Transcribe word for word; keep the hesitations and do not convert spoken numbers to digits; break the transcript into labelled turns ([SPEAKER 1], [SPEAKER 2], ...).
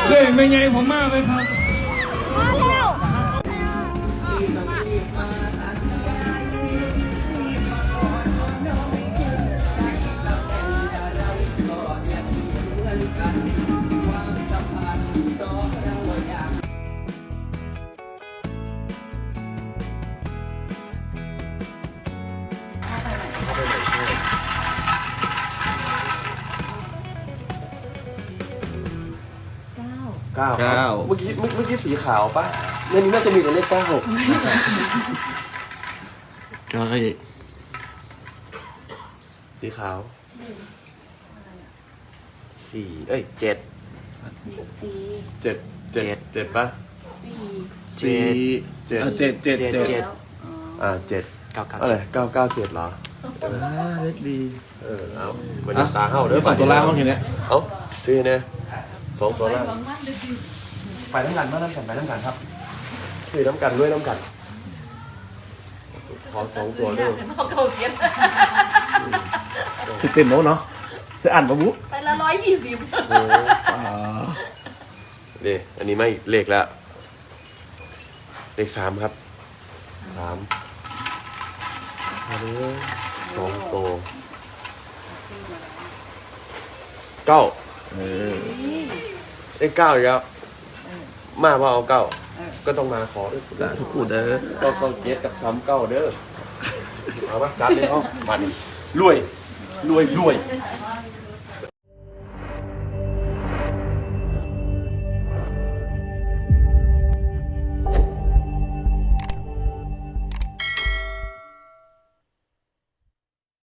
[SPEAKER 1] เฮ้ยไม่ไงผมมากเลยครับ
[SPEAKER 2] มาแล้ว
[SPEAKER 3] เก้าเก้าเมื่อกี้เมื่อกี้สีขาวป่ะในนี้น่าจะมีแต่เลขเก้าใช่สีขาวสี่เอ้ยเจ็ดเจ็ดเจ็ดเจ็ดป่ะสี่เจ็ดเจ็ดเจ็ดเจ็ดอ่าเจ็ดเก้าเก้าอะไรเก้าเก้าเจ็ดเหรออ่าเล็กดีเออเอามันตาเข้าเด้อสองตัวล่างมั้งเห็นไหมเอ้าชื่อเนี่ยสองตัวล่างไปน้ำกันมาน้ำกันไปน้ำกันครับชื่อน้ำกันด้วยน้ำกันขอสองตัวด้วยสิเต็มโน้เนาะเสียอ่านปะบุ๊
[SPEAKER 2] ไปละร้อยยี่สิบ
[SPEAKER 3] เดี๋ยวอันนี้ไม่เลขแล้วเลขสามครับสามอันนี้สองตัวเก้าเออเลขเก้าอีกแล้วมาพอเอาเก้าก็ต้องมาขอด้วยทุกคู่เด้อก็เข้าเจ็ดกับซ้ำเก้าเด้อเอามาจัดเลยเอามาดิรวยรวยรวย